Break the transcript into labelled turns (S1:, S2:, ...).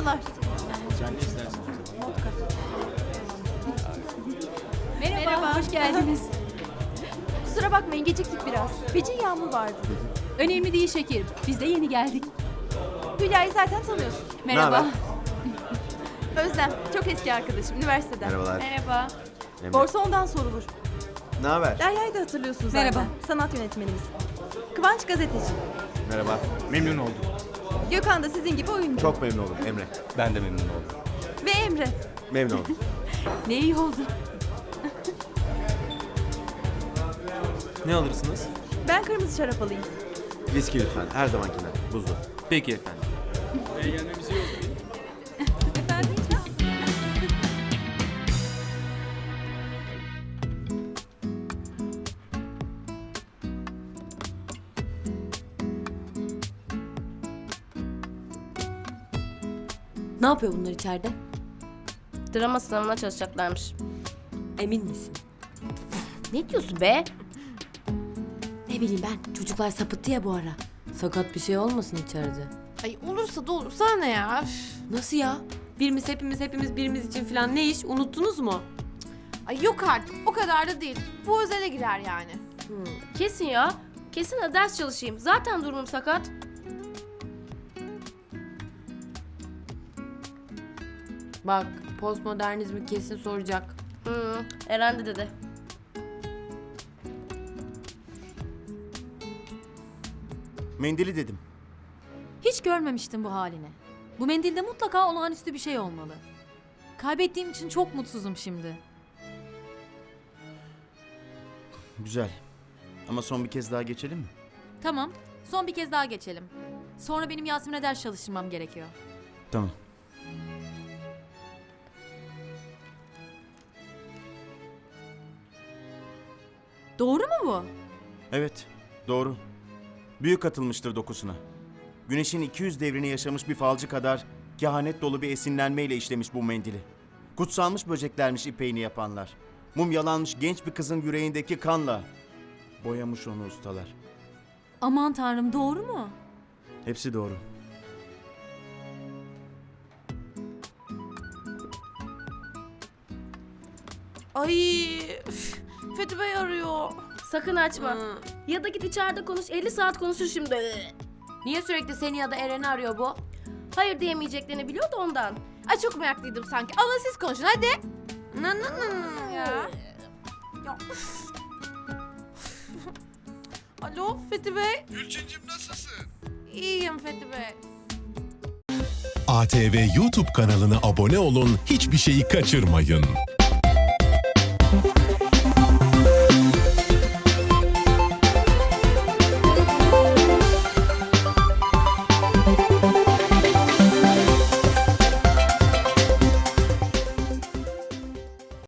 S1: Merhabalar. Merhaba, hoş geldiniz. Kusura bakmayın, geciktik biraz. Feci yağmur vardı.
S2: Önemli değil şekerim. Biz de yeni geldik.
S1: Hülya'yı zaten tanıyorsun.
S2: Merhaba.
S1: Özlem, çok eski arkadaşım, üniversiteden.
S3: Merhabalar.
S2: Merhaba.
S3: Emre.
S1: Borsa ondan sorulur.
S3: Ne haber?
S1: Derya'yı da hatırlıyorsun zaten.
S2: Merhaba.
S1: Sanat yönetmenimiz. Kıvanç gazeteci.
S3: Merhaba.
S4: Memnun oldum.
S1: Gökhan da sizin gibi oyuncu.
S3: Çok memnun oldum Emre.
S4: Ben de memnun oldum.
S1: Ve Emre.
S3: Memnun oldum.
S2: Ne iyi oldu.
S4: Ne alırsınız?
S1: Ben kırmızı şarap alayım.
S3: Viski lütfen. Her zamankinden. Buzlu.
S4: Peki efendim.
S2: Efendim?
S5: Ne yapıyor bunlar içeride?
S6: Drama sınavına çalışacaklarmış.
S5: Emin misin?
S6: Ne diyorsun be?
S5: Ne bileyim ben. Çocuklar sapıttı ya bu ara. Sakat bir şey olmasın içeride.
S7: Ay olursa da olur. Sana ne ya? Üf.
S5: Nasıl ya? Hepimiz birimiz için falan ne iş? Unuttunuz mu?
S7: Ay yok artık. O kadar da değil. Bu özele girer yani.
S6: Kesin ya. Kesin de ders çalışayım. Zaten durumum sakat.
S5: Bak postmodernizmi kesin soracak.
S6: Eren de dedi.
S3: Mendili dedim.
S2: Hiç görmemiştim bu halini. Bu mendilde mutlaka olağanüstü bir şey olmalı. Kaybettiğim için çok mutsuzum şimdi.
S3: Güzel. Ama son bir kez daha geçelim mi?
S2: Tamam, son bir kez daha geçelim. Sonra benim Yasemin'e ders çalıştırmam gerekiyor.
S3: Tamam.
S2: Doğru mu bu?
S3: Evet. Doğru. Büyük katılmıştır dokusuna. Güneşin 200 devrini yaşamış bir falcı kadar kehanet dolu bir esinlenmeyle işlemiş bu mendili. Kutsanmış böceklermiş ipeğini yapanlar. Mumyalanmış genç bir kızın yüreğindeki kanla boyamış onu ustalar.
S2: Aman tanrım, doğru mu?
S3: Hepsi doğru.
S7: Ay üf. Fethi Bey arıyor.
S6: Sakın açma. Ya da git içeride konuş. 50 saat konuşur şimdi.
S5: Niye sürekli seni ya da Eren'i arıyor bu?
S6: Hayır diyemeyeceklerini biliyor da ondan.
S7: Ay çok meraklıydım sanki. Ama siz konuşun hadi. Ya. Ya. Üf. Alo Fethi Bey.
S8: Gülçincim nasılsın?
S7: İyiyim Fethi Bey.
S8: ATV YouTube kanalına abone olun, hiçbir şeyi kaçırmayın.